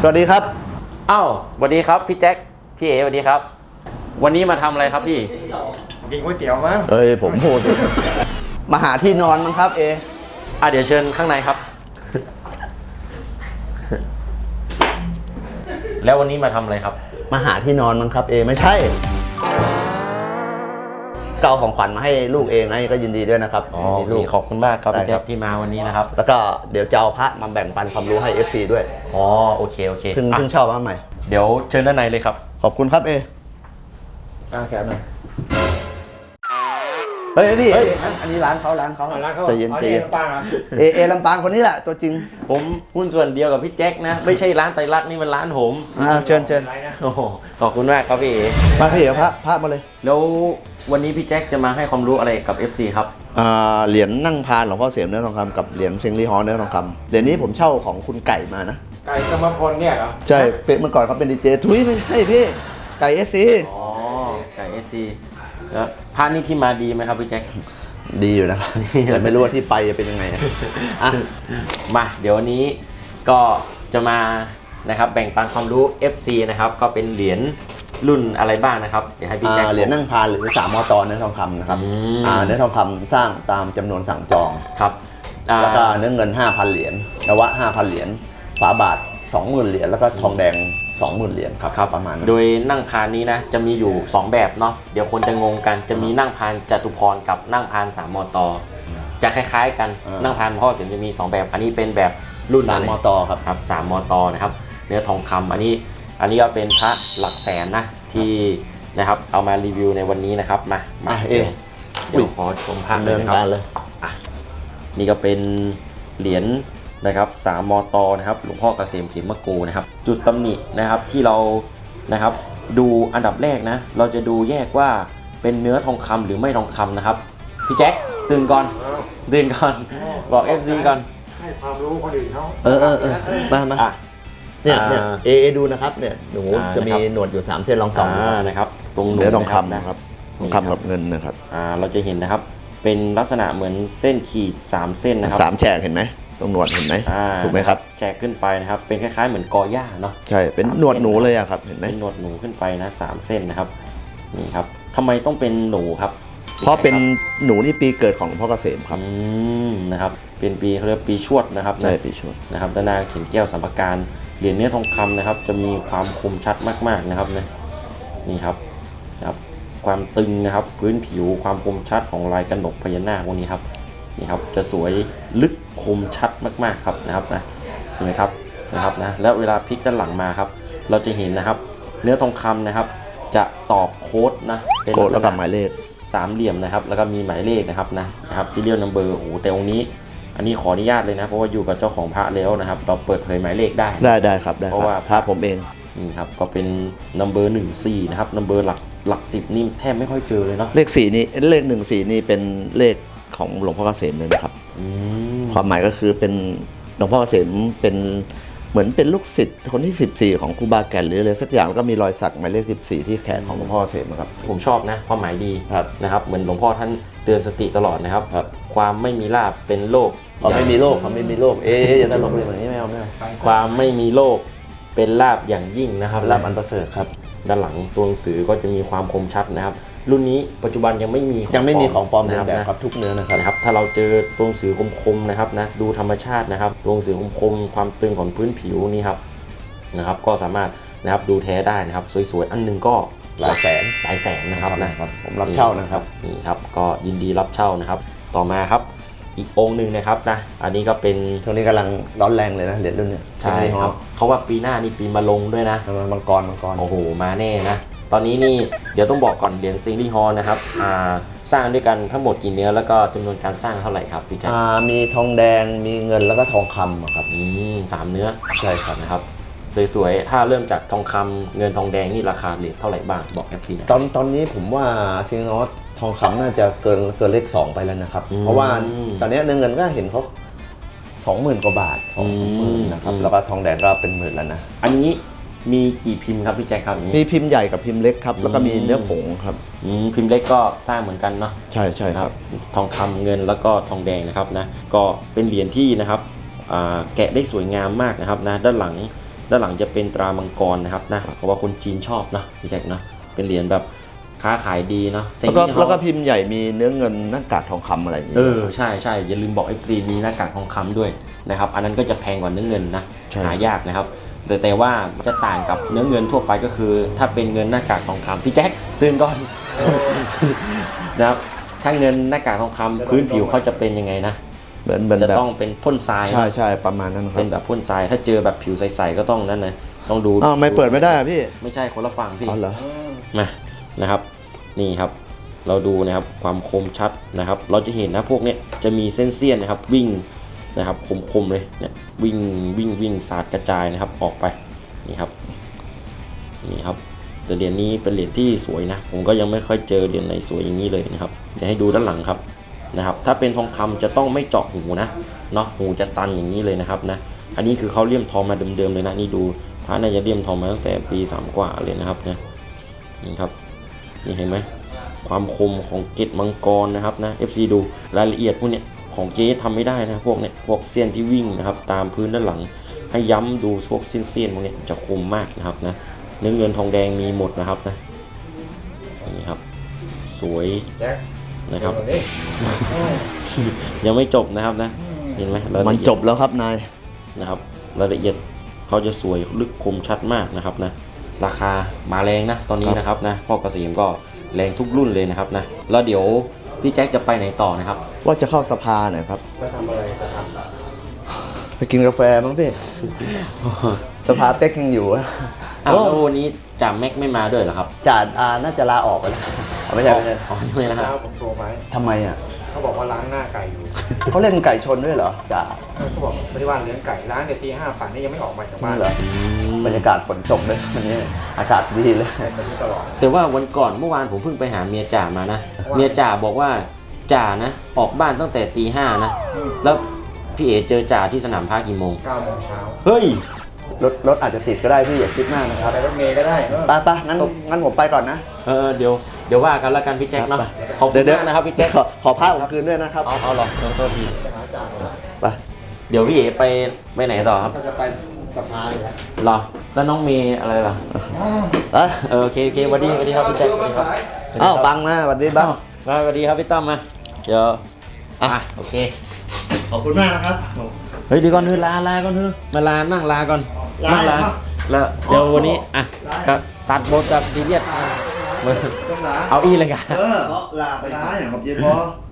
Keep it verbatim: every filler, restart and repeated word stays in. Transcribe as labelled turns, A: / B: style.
A: สวัสดีครับ
B: อ้าวสวัสดีครับพี่แจ็คพี่เอสวัสดีครับวันนี้มาทำอะไรครับพี่
C: กินก๋วยเตี๋ยวมั้ง
A: เอ้ยผมพูดมาหาที่นอนมั้งครับเอ
B: อ่ะเดี๋ยวเชิญข้างในครับ แล้ววันนี้มาทำอะไรครับ
A: มาหาที่นอนมั้งครับเอไม่ใช่เก่าของขวัญมาให้ลูกเองนะก็ยินดีด้วยนะครับ
B: อ๋อลูกขอบคุณมากครับพี่แจ็คที่มาวันนี้นะครับ
A: แล้วก็เดี๋ยวจะเอาพระมาแบ่งปันความรู้ให้ เอฟ ซี ด้วย
B: อ๋อโอเคโอเค
A: เพิ่งเพิ่งชอบมาใหม่
B: เดี๋ยวเชิญด้านในเลยครับ
A: ขอบคุณครับเอ
C: อ่าแขนหน่อย
A: เฮ้ยนี่อันนี้ร้านเขาร้านเขาใจเย็นใจเย็นเอเอลำปางคนนี้แหละตัวจริง
B: ผมหุ้นส่วนเดียวกับพี่แจ็คนะไม่ใช่ร้านไตรลักษณ์นี่มันร้านผม
A: อ่าเชิญเชิญ
B: โอ้โหขอบคุณมากครับพี่เอ
A: มาพี่เอ๋พระพระมาเลย
B: แล้ววันนี้พี่แจ็คจะมาให้ความรู้อะไรกับ เอฟ ซี ครับ
A: อ่าเหรียญนั่งพานหลวงพ่อเสียมเนื้อทองคำกับเหรียญเซิงลี่ฮอเนื้อทองคำเหรียญนี้ผมเช่าของคุณไก่มานะ
C: ไก่สมพลเนี่ยเหรอ
A: ใช่เป็นเมื่อก่อนเขาเป็นดีเจทุยไม่ใช่พี่ไก่เอสซี
B: อ๋อไก่เอสซีแล้วพระนี่ที่มาดีไหมครับพี่แจ็ค
A: ดีอยู่นะครับแต่ไม่รู้ว่าที่ไปจะเป็นยังไงอ่ะ
B: มาเดี๋ยววันนี้ก็จะมานะครับแบ่งปันความรู้ เอฟ ซี นะครับก็เป็นเหรียญรุ่นอะไรบ้างนะครับเดี๋ยวให้พี่แจ็ค
A: เหรียญนั่งพานหรือสามมตเนื้อทองคำนะครับเนื้อทองคำสร้างตามจำนวนสั่งจอง
B: ครับ
A: แล้วก็เนื้อเงิน ห้าพัน เหรียญนวะ ห้าพัน เหรียญฝาบาท สองหมื่น เหรียญแล้วก็ทองแดง สองหมื่น เหรียญครับประมาณนั้น
B: โดยนั่งพานนี้นะจะมีอยู่สองแบบเนาะเดี๋ยวคนจะงงกันจะมีนั่งพานจตุพรกับนั่งพานสามมตจะคล้ายๆกันนั่งพานพ่อเสียงจะมีสองแบบอันนี้เป็นแบบรุ่น
A: สามมตครับ
B: ครับสามมตนะครับเนื้อทองคำอันนี้อันนี้ก็เป็นพระหลักแสนนะที่นะครับเอามารีวิวในวันนี้นะครับมา
A: มาเอ
B: งเดี๋ยวขอชมพระเลยนะครับนี่ก็เป็นเหรียญนะครับสามมตนะครับหลวงพ่อเกษมเขมโกนะครับจุดตำหนินะครับที่เรานะครับดูอันดับแรกนะเราจะดูแยกว่าเป็นเนื้อทองคำหรือไม่ทองคำนะครับพี่แจ็คตื่นก่อนตื่นก่อนบอก เอฟ ซี ก่อน
C: ให้ความรู้คนอื่นเขา
A: เออเออเออมามาเนี่ยเนี่ยเอเอดูนะครับเนี่ยหนูจะมีหนวดอยู่สามเส้นลองสอง
B: นะครับตรงหนู
A: เนื้อทองคำนะครับทองคำกับเงินนะครับ
B: อ่าเราจะเห็นนะครับเป็นลักษณะเหมือนเส้นขีดสามเส้นนะครับ
A: สามแฉกเห็นไหมตรงหนวดเห็นไหมถูกไหมครับ
B: แฉกขึ้นไปนะครับเป็นคล้ายๆเหมือนกอหญ้าเนาะ
A: ใช่เป็นหนวดหนูเลยอะครับเห็นไหม
B: เป็นหนวดหนูขึ้นไปนะสามเส้นนะครับนี่ครับทำไมต้องเป็นหนูครับ
A: เพราะเป็นหนูที่ปีเกิดของหลวงพ่อเกษมครับ
B: อืมนะครับเป็นปีเขาเรียกปีชวดนะครับ
A: ใช่ปีชวด
B: นะครับด้านหน้าเขียนแก้วสัมภาระเหรียญเนื้อทองคำนะครับจะมีความคมชัดมากๆนะครับนะนี่ครับนะครับความตึงนะครับพื้นผิวความคมชัดของลายกระหนกพญานาคพวกนี้ครับนี่ครับจะสวยลึกคมชัดมากๆครับนะครับนะเห็นไหมครับนะครับนะแล้วเวลาพลิกด้านหลังมาครับเราจะเห็นนะครับเนื้อทองคำนะครับจะตอกโค้ดนะ
A: โค้ดแล้วกับหมายเลข
B: สามเหลี่ยมนะครับแล้วก็มีหมายเลขนะครับนะนะครับ serial number โอ้แต่องค์นี้อันนี้ขออนุญาตเลยนะเพราะว่าอยู่กับเจ้าของพระแล้วนะครับเราเปิดเผยหมายเลขได้
A: ได้ได้ครับได้เพราะว่าพระผมเอง
B: นี่ครับก็เป็น number หนึ่งสี่นะครับ number หลักหลักสิบนี่แทบไม่ค่อยเจอเลยเนาะ
A: เลขสี่นี่เลขหนึ่งสี่นี่เป็นเลขของหลวงพ่อเกษมเลยนะครับความหมายก็คือเป็นหลวงพ่อเกษมเป็นเหมือนเป็นลูกศิษย์คนที่สิบสี่ของครูบาแก่นหรืออะไรสักอย่างแล้วก็มีรอยสักหมายเลขสิบสี่ที่แขนของหลวงพ่อเกษมครับ
B: ผมชอบนะความหมายดีนะครับเหมือนหลวงพ่อท่านเตือนสติตลอดนะครับความไม่มีลาภเป็นโลก
A: ความไม่มีโลกความไม่มีโลกเอ๊ะอย่าตลกเลยแบบนี้ไม่เอาไม่เอา
B: ความไม่มีโลกเป็นลาภอย่างยิ่งนะครับ
A: ลาภอันประเสริฐครับ
B: ด้านหลังตัวหนังสือก็จะมีความคมชัดนะครับรุ่นนี้ปัจจุบันยังไม่มี
A: ยังไม่มีของปลอมเลียนแบบครับทุกเนื้อนะครับ
B: นะครับถ้าเราเจอตัวหนังสือคมๆนะครับนะดูธรรมชาตินะครับตัวหนังสือคมๆความตึงของพื้นผิวนี่ครับนะครับก็สามารถนะครับดูแท้ได้นะครับสวยๆอันนึงก็
A: หลายแสน
B: หลายแสนนะครับนะครับ
A: ผมรับเช่านะครับ
B: นี่ครับก็ยินดีรับเช่านะครับต่อมาครับอีกองค์หนึ่งนะครับนะอันนี้ก็เป็น
A: ช่วงนี้กำลังร้อนแรงเลยนะเหรียญรุ่นนี้
B: ใช่ครับเขาว่าปีหน้านี่ปีมะลงด้วยนะ
A: มังกรมังกร
B: โอ้โหมาแน่นะตอนนี้นี่เดี๋ยวต้องบอกก่อนเหรียญซิงลี่ฮอนะครับสร้างด้วยกันทั้งหมดกี่เนื้อแล้วก็จำนวนการสร้างเท่าไหร่ครับพี่แจ๊ค
A: มีทองแดงมีเงินแล้วก็ทองคำครับ
B: อืมสามเนื้อ
A: ใช่ครับ
B: นะครับสวยๆถ้าเริ่มจากทองคำเงินทองแดงนี่ราคาเหรียญเท่าไหร่บ้างบอกแอปซีนะ
A: ตอนตอนนี้ผมว่าซิงนอตทองคำน่าจะเกินเกินเลขสองไปแล้วนะครับเพราะว่าตอนนี้เงินก็เห็นเขาสองหมื่นกว่าบาทสองหมื่นนะครับแล้วก็ทองแดงก็เป็นหมื่นแล้วนะ
B: อันนี้มีกี่พิมพ์ครับพี่แจ็คครับ
A: มีพิมพ์ใหญ่กับพิมพ์เล็กครับแล้วก็มีเนื้อผงครับ
B: พิมพ์เล็กก็สร้างเหมือนกันเนาะ
A: ใช่ใช่ครับ
B: ทองคำเงินแล้วก็ทองแดงนะครับนะก็เป็นเหรียญที่นะครับแกะได้สวยงามมากนะครับนะด้านหลังด้านหลังจะเป็นตรามังกรนะครับนะเพราะว่าคนจีนชอบเนาะพี่แจ็คเนาะเป็นเหรียญแบบค้าขายดีเนาะ
A: แล้วก็แล้วก็พิมพ์ใหญ่มีเนื้อเงินหน้ากากทองคำอะไรอย่างงี้
B: เออใช่ใช่อย่าลืมบอก เอฟ ซี มีหน้ากากทองคำด้วยนะครับอันนั้นก็จะแพงกว่าเนื้อเงินนะหายากนะครับแต่แต่ว่าจะต่างกับเนื้อเงินทั่วไปก็คือ ถ้าเป็นเงินหน้ากากทองคำพี่แจ็คตื่นก่อน นะครับถ้าเงินหน้ากากทองคำพื้นผิวเขาจะเป็นยังไงนะ
A: เหมือนเหมือน
B: จะ
A: แบบ
B: ต้องเป็นพ่นทราย
A: ใช่ใช่ประมาณนั้นครั
B: เป็
A: บ
B: นแบบพ่นทรายถ้าเจอแบบผิวใสๆก็ต้องนั่นนะต้องดู
A: อ้าวไม่เปิดไม่ได้อะพี่
B: ไม่ใช่คนละฝั่งพี่
A: อ๋อเหรอ
B: มานะครับนี่ครับเราดูนะครับความคมชัดนะครับ เราจะเห็นนะพวกเนี้ยจะมีเส้นเสี้ยนนะครับวิ่งนะครับคมๆเลยเนี่ยวิ่งวิ่งวิ่งสาดกระจายนะครับออกไปนี่ครับนี่ครับแต่เหรียญนี้เป็นเหรียญที่สวยนะผมก็ยังไม่ค่อยเจอเหรียญไหนสวยอย่างนี้เลยนะครับเดี๋ยวให้ดูด้านหลังครับนะครับถ้าเป็นทองคำจะต้องไม่เจาะหูนะเนาะหูจะตันอย่างนี้เลยนะครับนะอันนี้คือเขาเลี่ยมทองมาเดิมๆเลยนะนี่ดูพระน่าจะเลี่ยมทองมาตั้งแต่ปีสามกว่าเลยนะครับนะนี่ครับนี่เห็นไหมความคมของเกล็ดมังกรนะครับนะ เอฟ ซี ดูรายละเอียดพวกเนี้ยของเจ๊ทำไม่ได้นะพวกเนี้ยพวกเส้นที่วิ่งนะครับตามพื้นด้านหลังให้ย้ำดูพวกเส้นๆพวกเนี้ยจะคมมากนะครับนะเนื้อเงินทองแดงมีหมดนะครับนะนี่ครับสวย
C: แจ็ค
B: นะครับ
C: เดี๋ยวนี้
B: ยังไม่จบนะครับนะเห็นไหมรายละ
A: มัน
B: เอียด
A: จบแล้วครับนาย
B: นะครับรายละเอียดเขาจะสวยลึกคมชัดมากนะครับนะราคามาแรงนะตอนนี้นะครับนะพ่อเกษมก็แรงทุกรุ่นเลยนะครับนะแล้วเดี๋ยวพี่แจ็คจะไปไหนต่อนะครับ
A: ว่าจะเข้าสภาหน่อยครับ
C: จะทำอะไรจะท
A: ไปกินกาแฟมั้งพี่ สภาเต็กยังอยู่อะ
B: อ้าวแล้ววันนี้จ่าแม็กไม่มาด้วยเหรอครับ
A: จ่าอาน่าจะลาออกไปแล้วไม่ใช่ไม่ใช่
B: อ๋อยังไม่
C: ำ
B: นะครับ
C: เช้าผมโทรไป
A: ทำไมอ่ะ
C: เขาบอกว่าล้างหน้าไก่อยู่
A: เขาเล่นไก่ชนด้วยเหรอจ่า
C: เออเขาบอกไม่ได้ว่าเลี้ยงไก่ล้างแต่ตีห้าป่านนี้ยังไม่ออกมาจากบ้า
A: นี่
C: น
A: เหรอ บรรยากาศฝนตกเลยวันนี้อากาศดีเลย
C: แบบนี้ตลอด
B: แต่ว่าวันก่อนเมื่อวานผมเพิ่งไปหาเมียจ่ามานะ
C: ว่า
B: เมียจ่าบอกว่าจ่านะออกบ้านตั้งแต่ตีห้านะ
C: อืม
B: แล้วพี่เอ๋เจอจ่าที่สนามพากี่โมง
C: เก้าโมงเช้า
B: เฮ้ย
A: รถรถอาจจะติดก็ได้พี่อย่าคิดมากนะครับ
C: ไปรถเมย์ก็ได้เออ
A: ไปไปงั้นงั้นผมไปก่อนนะ
B: เออเดี๋ยวเดี๋ยวว่ากันแล้วกันพี่แจ็คเนาะ
A: ครับ
B: ขอบคุณมากนะครับพี่แจ็ค
A: ขอขอผ้าผมคืนด้วยนะครับ
B: เอาเอาหรอเออโทษที
C: จะหาจ่าเหรอ
A: ไป
B: เดี๋ยวพี่เอ๋ไปไปไหนต่อครับ
C: ก็จะไปสภาเลยแหละ
B: รอแล้วน้องเมย์อะไรล่ะ
A: เอ้ย
B: เออโอเคโอเคสวัสดีสวัสดีครับพี่แจ็คสวัสดีครับ
A: อ้าวบังนะสวัสดีบัง
B: มาสวัสดีครับพี่ตั้มมาเดี๋ยวอ่ะโอเค
A: ขอบคุณมากนะครับ
B: เฮ้ยเดี๋ยวก่อนเถอะลาลาก่อนเถอะมาลานั่งลาก่อน
A: ลา
B: นั่งลา
A: เหรอ
B: แล้วเดี๋ยววันนี้อ่ะก็ตัดบทแบบซีเรียส
A: ต้องลา
B: เอาอีเลยกัน
A: เออลาไปลาอย่างขอบเย็นพอ